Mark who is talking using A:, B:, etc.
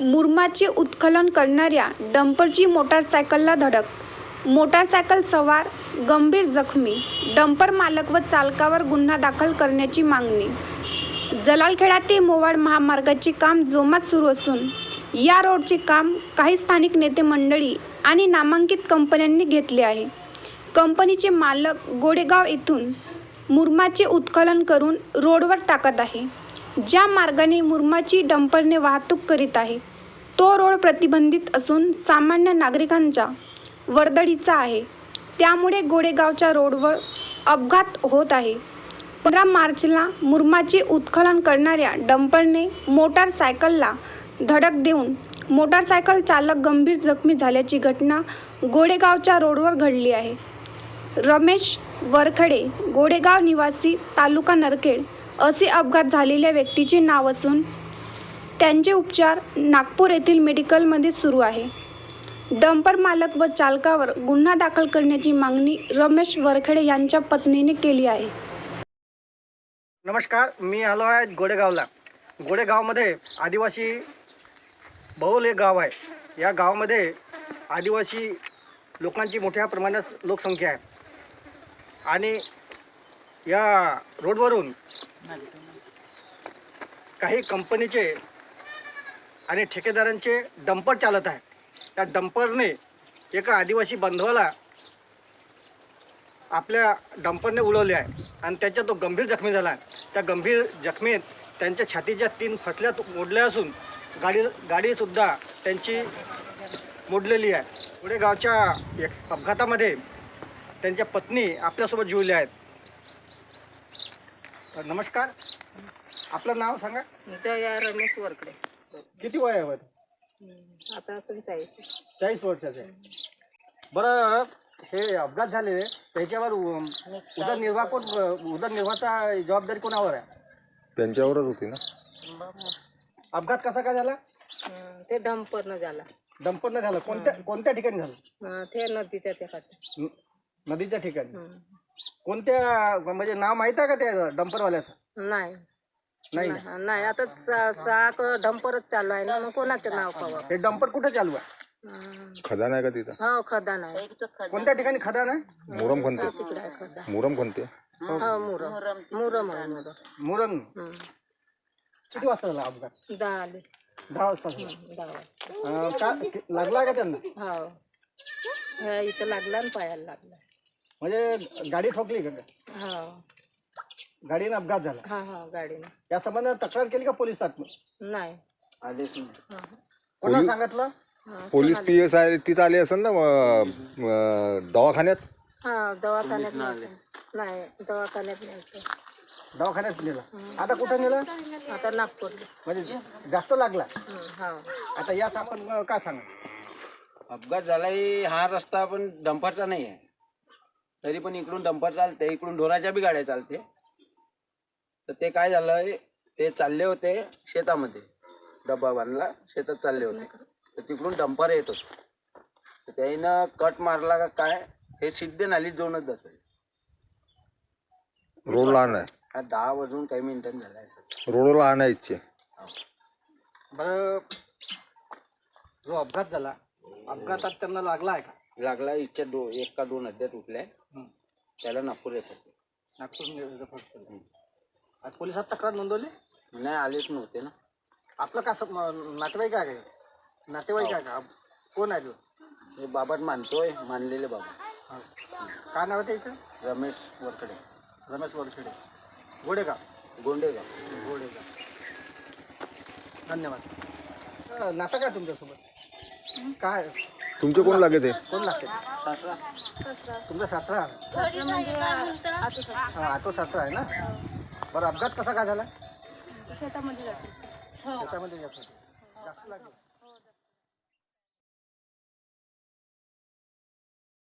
A: मुरुमाचे उत्खनन करणाऱ्या डंपरची मोटारसायकलला धडक, मोटारसायकल सवार गंभीर जखमी, डंपर मालक व चालकावर गुन्हा दाखल करण्याची मागणी. जलालखेडा ते मोवाड महामार्गाचे काम जोमात सुरू असून या रोडचे काम काही स्थानिक नेते मंडळी आणि नामांकित कंपन्यांनी घेतले आहे. कंपनीचे मालक गोडेगाव येथून मुरुमाचे उत्खनन करून रोडवर टाकत आहे. ज्या मार्गाने मुरुमाची डंपरने वाहतूक करीत आहे तो रोड प्रतिबंधित असून सामान्य नागरिकांच्या वर्दळीचा आहे. त्यामुळे गोडेगावच्या रोडवर अपघात होत आहे. 15 मार्चला मुरुमाचे उत्खनन करणाऱ्या डंपरने मोटारसायकलला धडक देऊन मोटारसायकल चालक गंभीर जखमी झाल्याची घटना गोडेगावच्या रोडवर घडली आहे. रमेश वरखडे, गोडेगाव निवासी, तालुका नरखेड असे अपघात झालेल्या व्यक्तीचे नाव असून त्यांचे उपचार नागपूर येथील मेडिकलमध्ये सुरू आहे. डंपर मालक व चालकावर गुन्हा दाखल करण्याची मागणी रमेश वरखडे यांच्या पत्नीने केली आहे.
B: नमस्कार, मी आलो आहे गोडेगावला. गोडेगावमध्ये आदिवासी बहुल एक गाव आहे. या गावामध्ये आदिवासी लोकांची मोठ्या प्रमाणात लोकसंख्या आहे आणि या रोडवरून काही कंपनीचे आणि ठेकेदारांचे डंपर चालत आहे. त्या डंपरने एका आदिवासी बांधवाला आपल्या डंपरने उडवले आहे आणि त्याच्या तो गंभीर जखमी झाला आहे. त्या गंभीर जखमीत त्यांच्या छातीच्या 3 फसल्या मोडल्या असून गाडीसुद्धा त्यांची मोडलेली आहे. पुढे गावच्या एक अपघातामध्ये त्यांच्या पत्नी आपल्यासोबत जुळल्या आहेत. नमस्कार, आपलं नाव सांगा.
C: जया रमेश वरकडे.
B: किती वय आहे?
C: आता असं
B: 40 वर्षाचं आहे. बरं, हे अपघात झाले त्याच्यावर उदरनिर्वाहाचा जबाबदारी कोणावर आहे?
D: त्यांच्यावरच होती ना.
B: अपघात कसा काय झाला?
C: ते डंपरनं झाला.
B: डंपरनं झालं. कोणत्या ठिकाणी झालं?
C: ते नदीच्या त्या काठी.
B: नदीच्या ठिकाणी. कोणत्या, म्हणजे नाव माहित आहे का त्या डंपरवाल्याचं?
C: नाही
B: नाही.
C: नाही, आता साक डंपरच चालू आहे ना, मग कोणाचं नाव पावा.
B: हे डंपर कुठे चालू आहे?
D: खदान आहे का तिथं?
C: हो, खदान आहे.
B: कोणत्या ठिकाणी खदान आहे?
D: मुरम खणते.
C: तिकडे आहे खदान.
D: मुरम खणते.
C: हो, मुरम आहे.
B: मुरम. किती वाजता झाला अपघात?
C: 10 आले.
B: 10 वाजता झाला.
C: 10
B: का लागला का त्यांना?
C: हो, ह्या इथं लागला आणि पायाला लागला.
B: म्हणजे गाडी ठोकली का?
C: हो,
B: गाडीने अपघात झाला.
C: हा गाडीनं.
B: या संबंधात तक्रार केली का पोलिसात?
C: नाही.
B: आदेश कोणाला सांगितलं?
D: पोलीस PSI तिथं आले असेल ना दवाखान्यात.
C: हा, दवाखान्यात नाही, दवाखान्यात नाही.
B: दवाखान्यात नेला. आता कुठं नेलं?
C: आता नागपूरला.
B: म्हणजे जास्त लागला.
C: हा.
B: आता या सामान काय सांगा?
E: अपघात झालाय. हा रस्ता पण डंपरचा नाही आहे, तरी पण इकडून डंपर चालते, इकडून ढोराच्या बी गाड्या चालते. तर ते काय झालंय, ते चालले होते शेतामध्ये, डब्बा बांधला, शेतात चालले होते, तर तिकडून डंपर येत होते. तर त्यानं कट मारला का काय, हे सिद्धे नालीत जाऊनच जातोय.
D: रोड लहान आहे.
E: 10 वाजून काही मिनिटांनी झालाय.
D: रोड लहान आहे इच्छे.
B: बरं, जो अपघात झाला, अपघातात त्यांना लागला आहे का?
E: लागला. इच्छा 1 का 2 अड्ड्यात उठल्या. त्याला नागपूर येतात.
B: नागपूर. आज पोलिसात तक्रार नोंदवली?
E: नाही, आलेच नव्हते ना.
B: आपलं का नातेवाईक आहे का? नातेवाईक आहे का? कोण आहे तो?
E: हे बाबाट मानतोय, मानलेले बाबा.
B: काय नाव आहे त्याचं?
E: रमेश वरखडे.
B: रमेश वरखडे, गोडेगाव.
E: गोंडेगाव.
B: धन्यवाद. नातं काय तुमच्यासोबत? काय
D: तुमचे कोण लागे ते?
B: कोण लागते? तुमचा सासरा? आतो सासरा आहे ना. बरं, अपघात कसा काय झाला?
C: शेतामध्ये जाते.
B: शेतामध्ये जास्त लागले.